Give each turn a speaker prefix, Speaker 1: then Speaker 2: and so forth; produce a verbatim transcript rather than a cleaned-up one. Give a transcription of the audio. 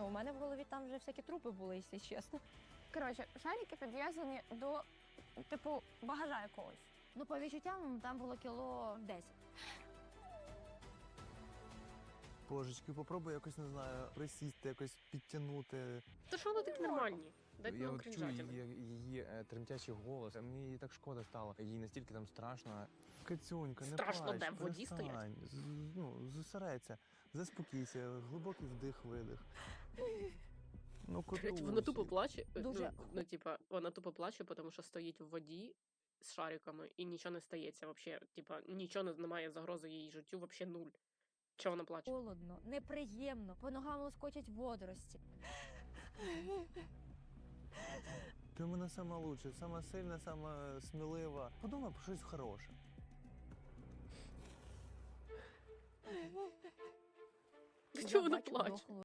Speaker 1: Ну, у мене в голові там вже всякі трупи були, якщо чесно.
Speaker 2: Коротше, шарики підв'язані до, типу, багажа якогось.
Speaker 1: Ну, по відчуттям, там було кіло десять.
Speaker 3: Божечки, попробуй якось, не знаю, присісти, якось підтягнути.
Speaker 4: То що вони такі нормальні? Дайте
Speaker 3: Я
Speaker 4: нам
Speaker 3: от чую
Speaker 4: кринжатіни.
Speaker 3: її, її е, тремтячий голос, а мені її так шкода стало. Їй настільки там страшно. Кацюнька, не
Speaker 4: Страшно
Speaker 3: плач,
Speaker 4: де? В воді
Speaker 3: перестань.
Speaker 4: стоять?
Speaker 3: З- Ну, зосередься, заспокійся, глибокий вдих-видих. Ну,
Speaker 4: Блять, вона
Speaker 3: котусь.
Speaker 4: тупо плаче.
Speaker 1: Дуже.
Speaker 4: Ну, ну, типа, вона тупо плаче, тому що стоїть в воді з шариками і нічого не стається вообще. Типа, нічого не- немає загрози її життю, вообще нуль. Чого вона плаче?
Speaker 1: Холодно, неприємно, по ногам лоскочать водорості.
Speaker 3: Ти в мене сама лучша, сама сильна, сама смілива. Подумай про щось хороше.
Speaker 4: Чого вона
Speaker 1: Я бачу
Speaker 4: плаче?
Speaker 1: дохлу